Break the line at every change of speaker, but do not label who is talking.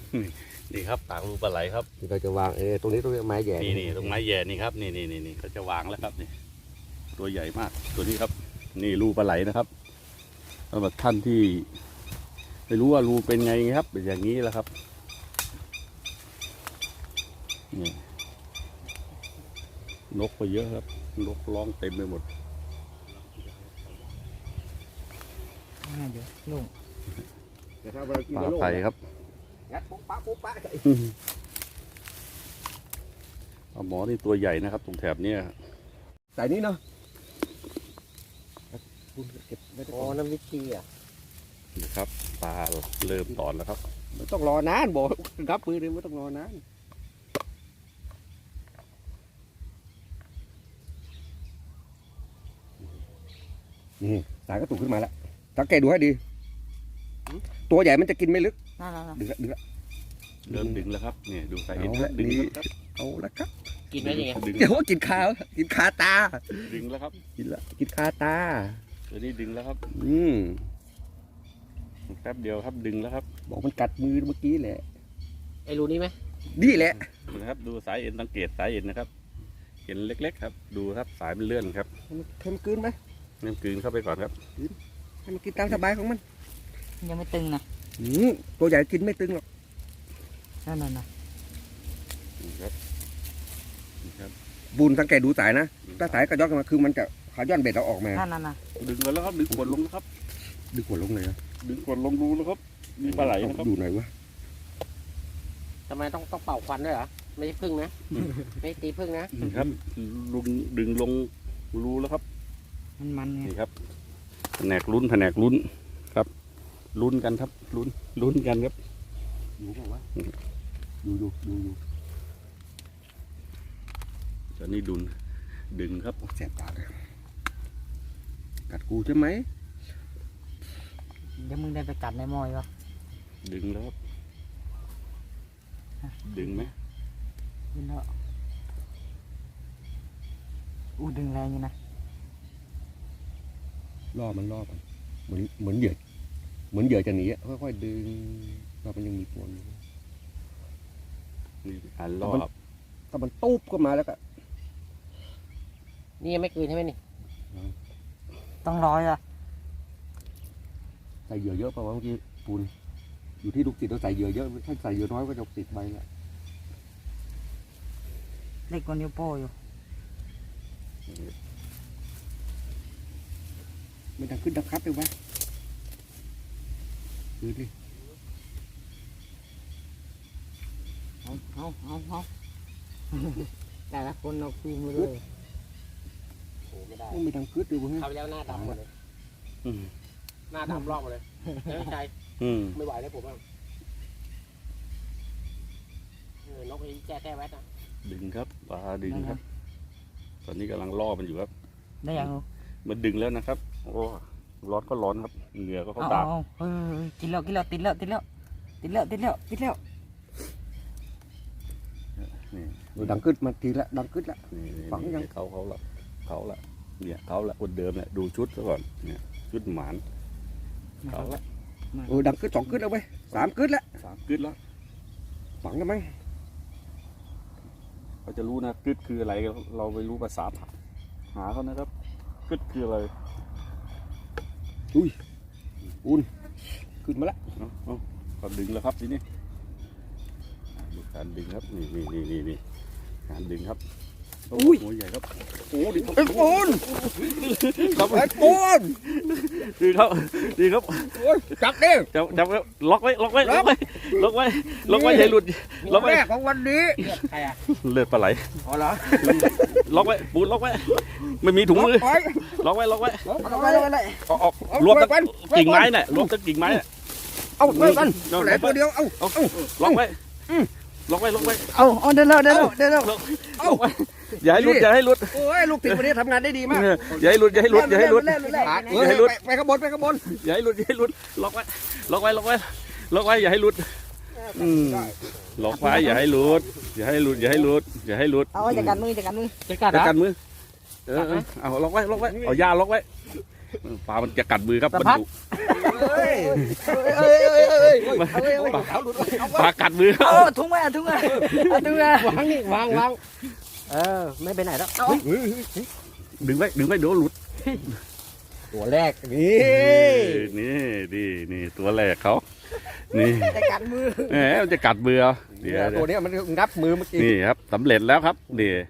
นี่ครับปากรูปลาไหลครับ
ที่เราจะวางตรงนี้ต้องไม้แย่
นี่ตรงไม้แย่นี่ครับนี่เขาจะวางแล้วครับนี่ตัวใหญ่มากตัวนี้ครับนี่รูปลาไหลนะครับสำหรับท่านที่ไม่รู้ว่ารูเป็นไงครับเป็นอย่างนี้แหละครับนี่นกไปเยอะครับนกร้องเต็มไปหมด
เดี๋ยวลุง
ปลาไผ่ครับปลาหมอนี่ตัวใหญ่นะครับตรงแถบนี้
ใส่นี้เนาะ
อ๋อน้ำวิธีอ่ะ
นะครับปลาเริ่มตอนแล้วครับ
ไม่ต้องรอนานบอกรับมือเลยไม่ต้องรอนานนี่สายก็ตุกขึ้นมาแล้วสังเกตดูให้ดีตัวใหญ่มันจะกินไม่ลึกดึงละ
เริ่มดึงแล้วครับนี่ดูสายเอ็นดึงครับ
เอาละครับ
กินได้ยังไง
เดี๋ยวกินขาตา
ดึงแล้วครับ
กินขาตา
ตัวนี้ดึงแล้วครับแป๊บเดียวครับดึงแล้วครับ
บอกมันกัดมือเมื่อกี้แหละ
ไอ้รูนี้ไหม
นี่แหละ
นะครับดูสายเอ็นสังเกตสายเอ็นนะครับเห็นเล็กๆครับดูครับสายมันเลื่อนครับ
ให้มันกลืนไหม
ให้มันกลืนเข้าไปก่อนครับ
ให้มันกินตามสบายของมัน
ยังไม่ตึงนะ
ตัวใหญ่กินไม่ตึงหรอก
นั่น
ครับ
บุญสังเกตดูสายนะถ้าสายกระย้อนมาคือมันจะขาย้อนเบ็ดเราออกมา
นั่น
ดึงมาแล้วครับดึงขวดลงครับ
ดึงขวดลงเลยนะ
ดึงขวดลงดูแล้วครับมีปลาไหลนะครับ
ดูหน่อยวะ
ทำไมต้องเป่าควันด้วยเหรอไม่ใช่พึ่งนะไม่ตีพึ่งนะครับ
ลุงดึงลงรูแล้วครับ
มัน
นี่ครับแผนกลุ้นครับลุ้นกันครับลุ้นกันครับ
อยู่ป่าวะอยู่
ตอนนี้ดึงครับ
แสบปากเลยกัดกูใช่ไหม
เดี๋ยวมึงได้ไปกัดในมอยวะ
ดึงแล้วครับดึงไหม
ดึงแล้วดึงแรงอยู่นะ
ล่อมันเหมือนเหยื่อจะหนีค่อยๆดึงเรามันยังมีปวนอยู่
นี่ล่อ
ถ้ามันตูบเข้ามาแล้วก็
นี่ยังไม่คืนใช่ไหมนี่ต้องรออ่ะ
ใส่เหยื่อเยอะป่าวเมื่อกี้ปูนอยู่ที่ลูกติดเราใส่เหยื่อเยอะถ้าใส่เหยื่อน้อยก็จะติดใบละ
เล็กกว่านิ้วโป้อยู่
ไม่ดังขึ้นดังคับเลยวะดูดิ
เอาแต่ละคนเราคืนมาเลย
ไม่ดังขึ้นเลยเว้ย
เขาแล้วหน้าดำหมดเลยหน้าดำรอบหมดเลยไม่ใช่ไม่ไหวแล้วผมอ่ะนกไอ้แก้แวดอ่ะ
ดึงครับปลาดึงครับตอนนี้กำลังล่อมันอยู่ครับ
ได้ยัง
มันดึงแล้วนะครับโอ้ร้อนก็ร้อนครับเหงื่อก็เข้าตา
กินแล้วติดแล้ว
ดังขึ้นมาทีละดังขึ้นละ
ฝังยังเขาละเนี่ยเขาละคนเดิมเนี่ยดูชุดซะก่อนเนี่ยชุดหมานเขาละ
ดังขึ้น2ขึ้นแล้วเว้ย3ขึ้นแล้วฝังกันไหม
เขาจะรู้นะกึดคืออะไรเราไม่รู้ภาษาหาเขานะครับกึดคืออะไร
อุ่นขึ้นมาแล้ว
ก็ดึงแล้วครับทีนี้การดึงครับนี่การดึงครับหัวใหญ่ครับ
ดิปูน
ครับดีครับ
จับดิ
จับล็อกไว้อย่าหลุดล็อกไว้
ของวันนี้
ใครอ่ะ
เลือดปลาไหล
อ๋อเหรอ
ล็อกไว้ปูนล็อกไว้ไม่มีถุงมือล็อกไว้ออกรวมตั้งกิ่งไม้เนี่ยรวมตั้งกิ่งไม้เนี่ย
เอาไปกันแหลตัวเดียวเอา
ล็อกไว้
เอาเดินแล้ว
เอาอย่าให้หลุด
โอ้ยลูกติดวันนี้ทำงานได้ดีมาก
อย่าให้หลุด
ไปขบวน
อย่าให้หลุดล็อกไว้อย่าให้หลุดล็อกไว้อย่าให้หลุด
เอาจัดการมือ
เอาล็อกไว้เอายาล็อกไว้ปลามันจะกัดมือครับ
สะ
มัน
พัด
ดุ
ขาวหลุด
ปลากัดมือ
เอาถุงมาถุงมาถุงมาว
างนี่วางไม่ไปไหนแล้ว
ดึงไว้เดี๋ยวหลุด
ตัวแรกนี่
นี่ตัวแรกเขานี่
จะกัดมือ
แหมมันจะกัดมือเอาเดี๋ยว
ตัวเนี้ยมันงับมือเมื่อกี้
นี่ครับสำเร็จแล้วครับนี่